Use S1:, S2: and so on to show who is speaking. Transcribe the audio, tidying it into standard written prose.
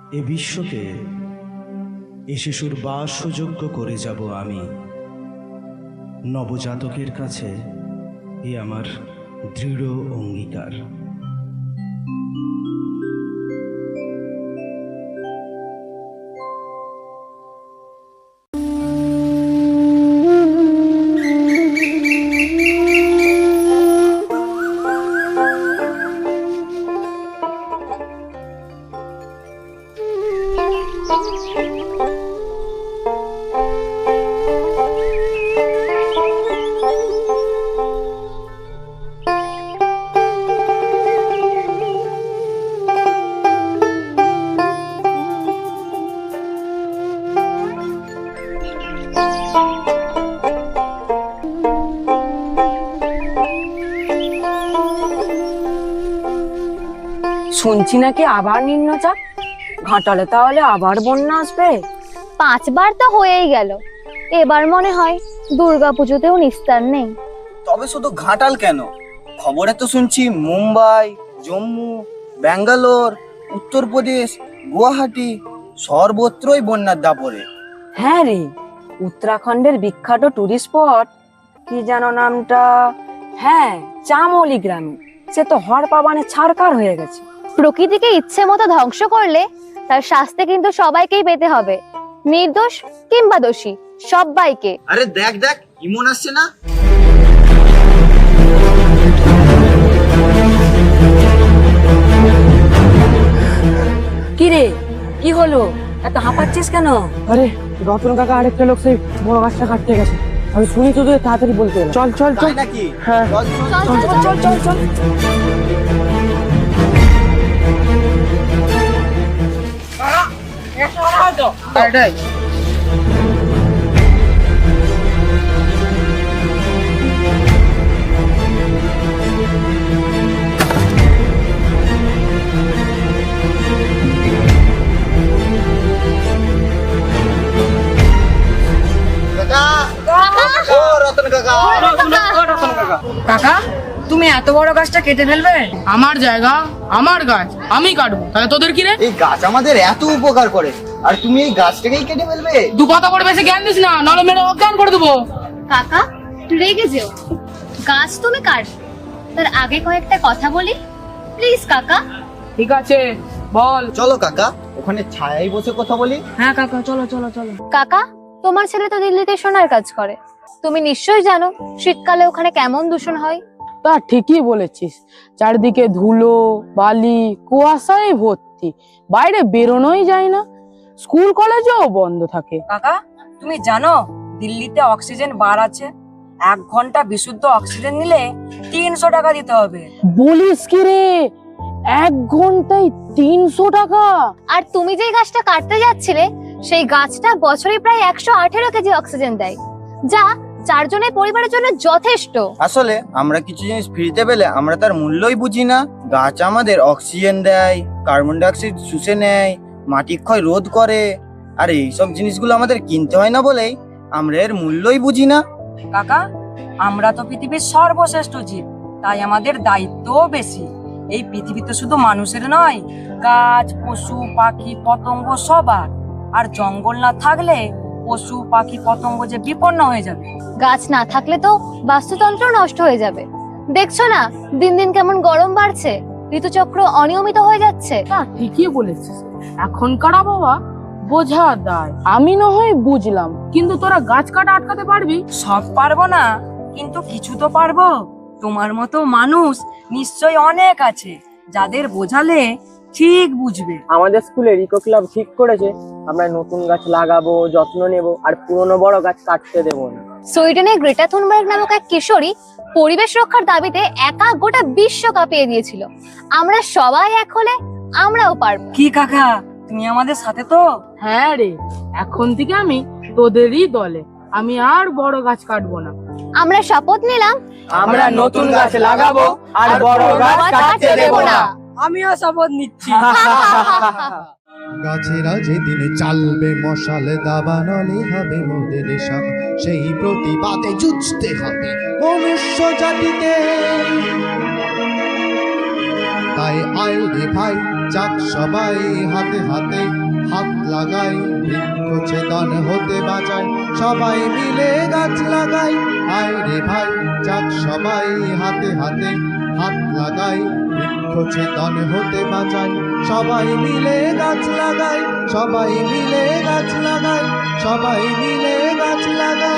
S1: এ বিশ্বকে এ শিশুর বাসযোগ্য করে যাব আমি। নবজাতকের কাছে এ আমার দৃঢ় অঙ্গীকার।
S2: শুনছি নাকি আবার নিম্নচাপ, ঘাটালে তাহলে আবার বন্যা আসবে।
S3: 5 বার তো হয়েই গেল, এবার মনে হয় দুর্গাপুজোতেও নিস্তার নেই।
S4: তবে শুধু ঘাটাল কেন, খবরে তো শুনছি মুম্বাই, জম্মু, ব্যাঙ্গালোর, উত্তরপ্রদেশ, গুয়াহাটি সর্বত্রই বন্যার দাপরে।
S2: হ্যাঁ রে, উত্তরাখণ্ডের বিখ্যাত টুরিস্ট স্পট কি যেন নামটা, হ্যাঁ চামোলি গ্রামে, সে তো হড়পাবানে ছারকার হয়ে গেছে।
S3: প্রকৃতিকে ইচ্ছে মতো ধ্বংস করলে তার শাস্তি কিন্তু সবাইকেই পেতে হবে, নির্দোষ কিংবা দোষী সবাইকে।
S4: আরে দেখ দেখ, ইমন আসছে না?
S2: কি রে, কি হলো, এত হাঁপাচ্ছিস কেন?
S5: আরে রতন কাকা আরেকটা লোক সেই বড় গাছটা কাটতে গেছে, আমি শুনি তো তোদের তাড়াতাড়ি বলতে এলাম। চল চল চল।
S4: তাই নাকি?
S5: হ্যাঁ
S4: চল, চল,
S3: চল,
S4: চল,
S3: চল,
S4: চল, চল, চল। এটাই। ও রতন কাকা,
S2: কাকা, তুমি এত বড় গাছটা কেটে ফেলবে?
S6: আমার জায়গা, আমার গাছ, আমি কাটবো, তাহলে তোদের কি রে?
S4: এই গাছ আমাদের এত উপকার করে আর তুমি এই গাছটাকেই কেটে ফেলবে?
S6: দু কথা করে বেশি জ্ঞান দিস না, নাহলে মেরে অজ্ঞান করে দেবো।
S3: কাকা রেগে যেও, গাছ তুমি কাটবে, তার আগে কয়েকটা কথা বলি প্লিজ কাকা।
S6: ঠিক আছে, বল।
S4: চলো কাকা, ওখানে ছায়ায় বসে কথা বলি।
S2: হ্যাঁ কাকা, চলো চলো চলো।
S3: কাকা, তোমার ছেলে তো দিল্লিতে সোনার কাজ করে, তুমি নিশ্চয়ই জানো শীতকালে ওখানে কেমন দূষণ হয়।
S5: তা ঠিকই বলেছিস, চারদিকে ধুলো বালি কুয়াশায় ভর্তি, বাইরে বেরোনোই যায় না, স্কুল কলেজও বন্ধ থাকে।
S2: কাকা, তুমি জানো দিল্লিতে অক্সিজেন বার আছে, 1 ঘন্টা বিশুদ্ধ অক্সিজেন নিলে 300 টাকা দিতে হবে।
S5: বলিস কি রে, 1 ঘন্টায় 300 টাকা?
S3: আর তুমি যে গাছটা কাটতে যাচ্ছিলে সেই গাছটা বছরে প্রায় 118 কেজি অক্সিজেন দেয়, যা 4 জনের পরিবারের জন্য যথেষ্ট।
S4: আসলে আমরা কিছু জিনিস ফ্রিতে পেলে আমরা তার মূল্যই বুঝি না। গাছ আমাদের অক্সিজেন দেয়, কার্বন ডাই অক্সাইড শুষে নেয়, মাটি ক্ষয় রোধ করে, আর এইসব জিনিসগুলো আমাদের কিনতে হয় না বলেই আমরা এর মূল্যই বুঝি না।
S2: কাকা, আমরা তো পৃথিবীর সর্বশ্রেষ্ঠ জীব, তাই আমাদের দায়িত্বও বেশি। এই পৃথিবীতে শুধু মানুষের নয়, গাছ পশু পাখি পতঙ্গ সবার। আর জঙ্গল না থাকলে পশু পাখি পতঙ্গ যে বিপন্ন হয়ে যাবে।
S3: গাছ না থাকলে তো বাস্তুতন্ত্র নষ্ট হয়ে যাবে। দেখছো না দিন দিন কেমন গরম বাড়ছে, ঋতুচক্র অনিয়মিত হয়ে যাচ্ছে।
S5: তা ঠিকই বলেছিস, এখনকার বাবা বোঝা দায়। আমি না হয় বুঝলাম, কিন্তু তোরা গাছ কাটা আটকাতে পারবি?
S2: সব পারবো না, কিন্তু কিছু তো পারবো। তোমার মতো মানুষ নিশ্চয় অনেক আছে, যাদের বোঝালে ঠিক বুঝবে।
S5: আমাদের স্কুলের ইকো ক্লাব ঠিক করেছে, আমরা নতুন গাছ লাগাবো, যত্ন নেব, আর পুরনো বড় গাছ কাটতে দেবো না।
S3: সুইডেনের গ্রেটা থুনবার্গ নামক এক কিশোরী পরিবেশ রক্ষার দাবিতে একা গোটা বিশ্ব কাঁপিয়ে দিয়েছিল। আমরা সবাই এক হলে আমরাও পারবো।
S2: কি কাকা, তুমি আমাদের সাথে তো?
S5: হ্যাঁ রে, এখন থেকে আমি তোদেরই দলে, আমি আর বড় গাছ কাটবো না।
S3: আমরা শপথ নিলাম
S4: আমরা নতুন গাছ লাগাবো আর বড় গাছ কাটতে দেব না।
S2: আমিও শপথ নিচ্ছি।
S7: গাছেরা যেদিন চালবে মশাল দাবানলে হবে মোদের সব, সেই প্রতিবাদে যুঝতে হবে মনুষ্য জাতিকে। তাই আয় রে ভাই, যাক সবাই হাতে হাতে হাত লাগাই, বৃক্ষছেদন হতে বাঁচাই, সবাই মিলে গাছ লাগাই। আয় রে ভাই, যাক সবাই হাতে হাতে হাত লাগাই, বৃক্ষছেদন হতে বাঁচাই, সবাই মিলে গাছ লাগাই, সবাই মিলে গাছ লাগাই, সবাই মিলে গাছ লাগাই।